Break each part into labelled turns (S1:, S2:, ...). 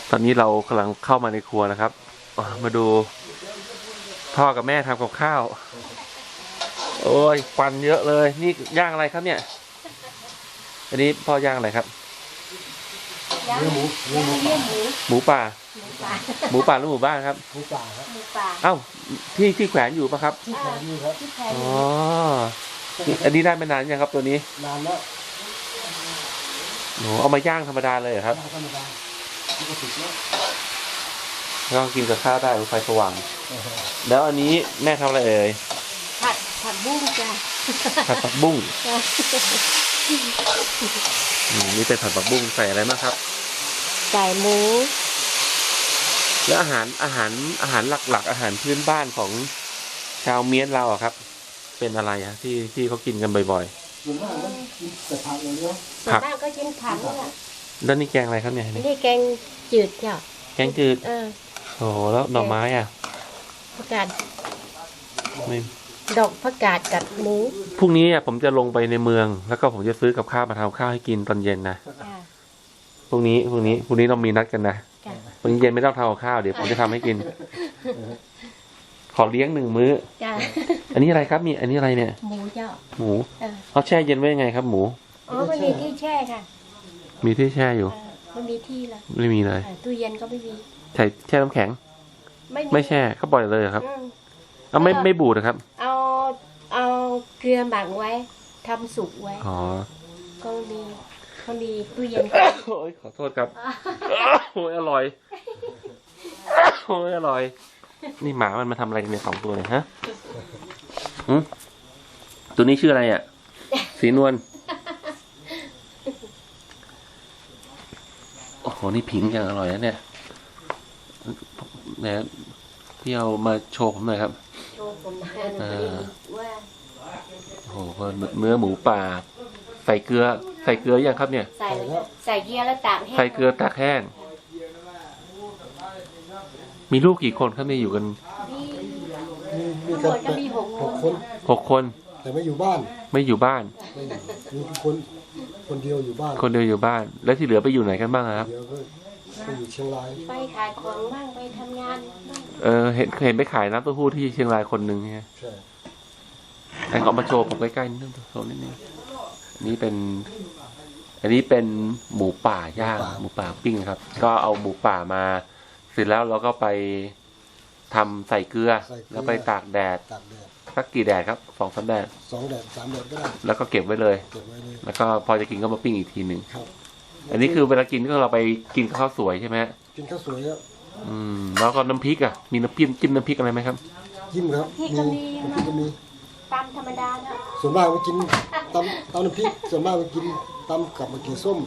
S1: ตอนนี้เรากำลังเข้ามาในครัวนะครับมาดูพ่อกับแม่ทำกับข้าวโอ้ยควันเยอะเลยนี่ย่างอะไรครับเนี่ยอันนี้พ่อย่างอะไรครับ
S2: เนื้อหมู
S1: หมูป่าหมูป่าหรือหมูบ้านครับ
S2: หมูป่าครับ
S3: หมูป่า
S1: เอ้าที่แขวนอยู่ปะครับ
S2: ที่แขวนอยู่ครับ
S1: อ๋ออันนี้ได้ไม่นานยังครับตัวนี้
S2: นานแล้ว
S1: โอ้เอามาย่างธรรมดาเลยเหรอครับ
S2: ธรรมดาปกติ
S1: แล้วก็กินกับข้าวได้ไฟสว่างแล้วอันนี้แม่ทำอะไรเอ่ย
S3: ผัดบุ้งจ้ะ
S1: ผัดบุ้งนี่เป็นผัดผักบุ้งใส่อะไรบ้างครับ
S3: ใส่หมู
S1: แล้วอาหารหลักๆอาหารพื้นบ้านของชาวเมียนเราอะครับเป็นอะไรอะที่เขากินกันบ่อย
S2: ๆส่วนมากก็กินแต่ผักเลยเนาะ
S3: ส่วนมากก็กินผักนี่แหละ
S1: แล้วนี่แกงอะไรครับเนี่ย
S3: นี่แกงจืดจ้ะ
S1: แกงจืดโอ้แล้วหน่อไม้อะ
S3: ผักกาด
S1: ไม่
S3: ดอกผักกาดกับหมู
S1: พรุ่งนี้ผมจะลงไปในเมืองแล้วก็ผมจะซื้อกับข้าวมาทำข้าวให้กินตอนเย็นนะพรุ่งนี้เรามีนัดกันนะวันนี้เย็นไม่ต้องทำกับข้าวเดี๋ยวผมจะทำให้กินขอเลี้ยง1 มื้ออันนี้อะไรครับมีอันนี้อะไรเนี่ย
S3: หมูเจ้า
S1: หมูเขาแช่เย็นไว้ยังไงครับหมู
S3: อ๋อมันมีที่แช่ค่ะ
S1: มีที่แช่อยู่
S3: มันมีที่ละ
S1: ไม่มีเลย
S3: ตู้เย็นก็ไม่มี
S1: ใช่แช่น้ำแข็งไม่แช่เขาปล่อยเลยครับเอาไม่บูดนะครับ
S3: เอาเกลือหมักไว้ทำสุกไว้
S1: อ๋อ
S3: ก็มีตู้เย็น
S1: โอ้ยขอโทษครับโอ้ยอร่อยโอ้ยอร่อยนี่หมามันมาทำอะไรกันเนี่ย2 ตัวเลยฮะตัวนี้ชื่ออะไรอ่ะสีนวลโอ้โหนี่ผิงอย่างอร่อยนะเนี่ยเนี่ยพี่เอามาโชว์ผมหน่อยครับ
S3: โชว์ผมว่า
S1: โอ้โหเนื้อหมูป่าใส่เกลือยังครับเนี่ย
S3: ใส่เกลือแล้วตากแห้ง
S1: ใส่เกลือตากแห้งมีลูกกี่คนครับเนี่ยอยู่กัน
S2: มีกัน6 คนแต่ไม่อยู่บ้าน
S1: มี
S2: คนเดียวอยู่บ้าน
S1: แล้วที่เหลือไปอยู่ไหนกันบ้างครับ
S2: เดี๋ยวก็ไปอยู่เชียงราย
S3: ไปขายของบ้างไปทำงาน
S1: บ้างเห็นไปขายน้ำเต้าหู้ที่เชียงรายคนหนึ่งใช่แต่เขามาโชว์ผมใกล้ๆนิดนึงโชว์นิดนึงอันนี้เป็นหมูป่าย่างหมูป่าปิ้งครับก็เอาหมูป่ามาเสร็จแล้วเราก็ไปทำใส่เกลือแล้วไปตากแดดสักกี่แดดครับ2-3 แดด
S2: 2 แดด 3 แดดก็ได้
S1: แล้วก็เก็บไว้เลยแล้วก็พอจะกินก็มาปิ้งอีกทีหนึ่งอันนี้คือเวลากินก็เราไปกินข้าวสวยใช่ไหม
S2: กินข้าวสวยครับ
S1: แล้วก็น้ำพริกอ่ะมีน้ำจิ้มน้ำพริกอะไรไหมครับ
S2: จิ้มครับมี
S3: ตำธรรมดาเนาะ
S2: ส่วนมากมากินตำน้ำพริกส่วนมากมากินตำกับมะเขือส้ม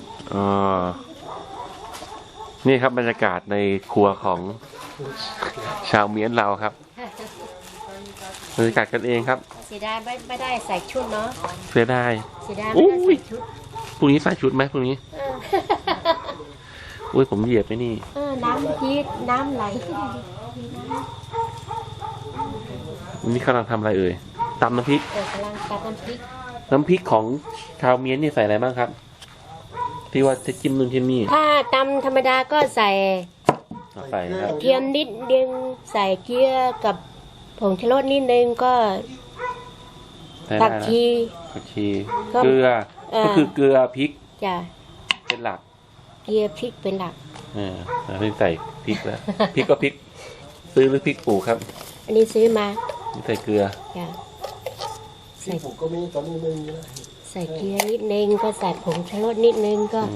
S1: นี่ครับบรรยากาศในครัวของชาวเมียนเราครับบรรยากาศกันเองครับ
S3: เสียดายไม่ได้ใส่ชุดเนาะ
S1: เสียดาย
S3: ไม่ได้ใส่ชุด
S1: พรุ่งนี้ใส่ชุดไหมพรุ่งนี้อุ้ยผมเหยียบไปนี่
S3: น้ำยีดน้ำไหล
S1: นี่กำลังทำอะไรเอ่ยตำน้ำพริก
S3: กำลังตำน้ำพ
S1: ริกของชาวเมียนนี่ใส่อะไรบ้างครับที่ว่าจะจิ้มนู่นจิ้มนี่
S3: ถ้าตำธรรมดาก็ใส่เทียมนิดนึงใส่เกลือกับผงชูรสนิดนึงก็ผักชี
S1: เกลือก็คือเกลือพริก
S3: จ้ะ
S1: เป็นหลัก
S3: เกลือพริกเป็นหลัก
S1: ไม่ใส่พริกแล้วพริกก็พริกซื้อหรือพริกปลูกครับ
S3: อันนี้ซื้อมา
S1: ใส่เกลือ
S3: จ้ะ
S2: ใส่ก็มีตอนนี้ไม่มีแล้ว
S3: ใส่เกลือนิดนึงก็ใส่ผงชูรสนิดนึงก็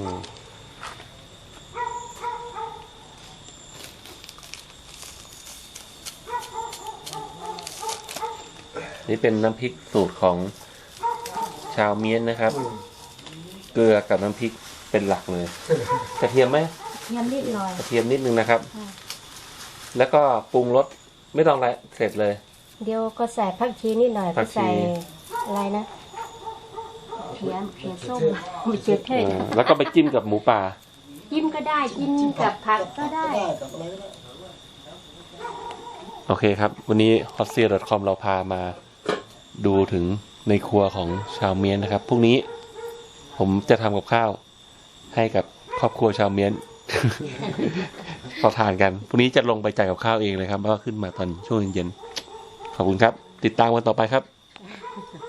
S1: นี่เป็นน้ำพริกสูตรของชาวเมียนนะครับเกลือกับน้ำพริกเป็นหลักเลยกระเทียมไหม
S3: กระเทียมนิดหน่อย
S1: กระเทียมนิดนึงนะครับแล้วก็ปรุงรสไม่ต้องอะไรเสร็จเลย
S3: เดี๋ยวก็ใส่ผักชีนิดหน่อยก็ใส่อะไรนะเขียส้มมีเจือเทศ
S1: แล้วก็ไปจิ้มกับหมูป่า
S3: จิ้มก็ได้จิ้มกับผักก็ได้
S1: โอเคครับวันนี้ hotseer.com เราพามาดูถึงในครัวของชาวเมียนนะครับพรุ่งนี้ผมจะทำกับข้าวให้กับครอบครัวชาวเมียนขอทานกันพรุ่งนี้จะลงไปจ่ายกับข้าวเองเลยครับเพราะว่าขึ้นมาตอนช่วงเย็นๆขอบคุณครับ ติดตามกันต่อไปครับ